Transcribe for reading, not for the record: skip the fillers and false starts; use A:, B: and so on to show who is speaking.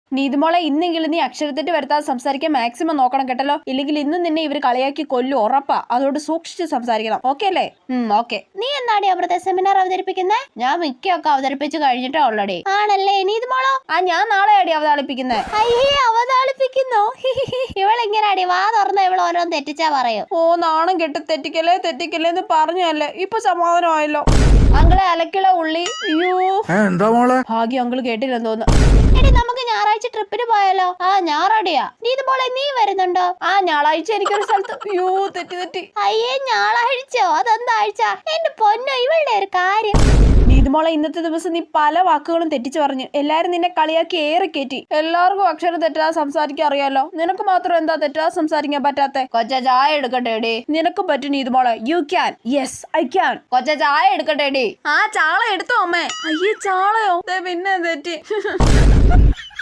A: നീതുമോളെ ഇന്നെങ്കിലും നീ അക്ഷരത്തെറ്റ് വരുത്താതെ സംസാരിക്കാൻ മാക്സിമം നോക്കണം കേട്ടല്ലോ. ഇല്ലെങ്കിൽ ഇന്ന് നിന്നെ ഇവർ കളിയാക്കി കൊല്ലും, ഉറപ്പാ. അതുകൊണ്ട് സൂക്ഷിച്ച് സംസാരിക്കണം. ഓക്കെ അല്ലേ? ഓക്കെ.
B: നീ എന്നാടി അവിടുത്തെ സെമിനാർ അവതരിപ്പിക്കുന്നേ? ഞാൻ മിക്കൊക്കെ അവതരിപ്പിച്ചു കഴിഞ്ഞിട്ടാ ഓൾറെഡി. ആണല്ലേ നീതുമോളോ?
A: ഞാൻ നാളെയാടി അവതാളിപ്പിക്കുന്നേ.
B: അയ്യേ അവതാളിപ്പിക്കുന്നോ? ഇവളിങ്ങനാടി വാ തുറന്ന ഇവൾ ഓരോന്ന് തെറ്റിച്ചാ പറയും.
A: നാണം കെട്ട് തെറ്റിക്കല്ലേ എന്ന് പറഞ്ഞല്ലേ. ഇപ്പൊ സമാധാനമായല്ലോ. അങ്കിളെ അലക്കിള ഉള്ളി. അയ്യോ
C: എന്താ മോളെ?
A: ഭാഗ്യം അങ്കിള് കേട്ടില്ലെന്ന് തോന്നുന്നു.
B: എടി നമുക്ക് ഞായറാഴ്ച ട്രിപ്പിന് പോയാലോ? ഞായറാടിയാ. നീതുമോളെ നീ വരുന്നുണ്ടോ?
A: ഞായറാഴ്ച എനിക്കൊരു സ്ഥലത്ത്. അയ്യോ തെറ്റി.
B: അയ്യേ ഞായറാഴ്ചയോ? അതെന്താ ആഴ്ച? എന്റെ പൊന്നോ ഇവളുടെ ഒരു കാര്യം.
A: നീതുമോളെ ഇന്നത്തെ ദിവസം നീ പല വാക്കുകളും തെറ്റിച്ചു പറഞ്ഞു. എല്ലാരും നിന്നെ കളിയാക്കി ഏറെ കയറ്റി. എല്ലാവർക്കും അക്ഷരം തെറ്റാതെ സംസാരിക്കാൻ അറിയാലോ. നിനക്ക് മാത്രം എന്താ തെറ്റാതെ സംസാരിക്കാൻ പറ്റാത്തെ?
B: കൊച്ച ചായ എടുക്കട്ടെ?
A: നിനക്ക് പറ്റും നീതുമോളെ. You can. Yes I can.
B: കൊച്ച ചായ എടുക്കട്ടെ?
A: ചാള എടുത്തോ അമ്മേ. അയ്യേ ചാളയോ? പിന്നെ തെറ്റി.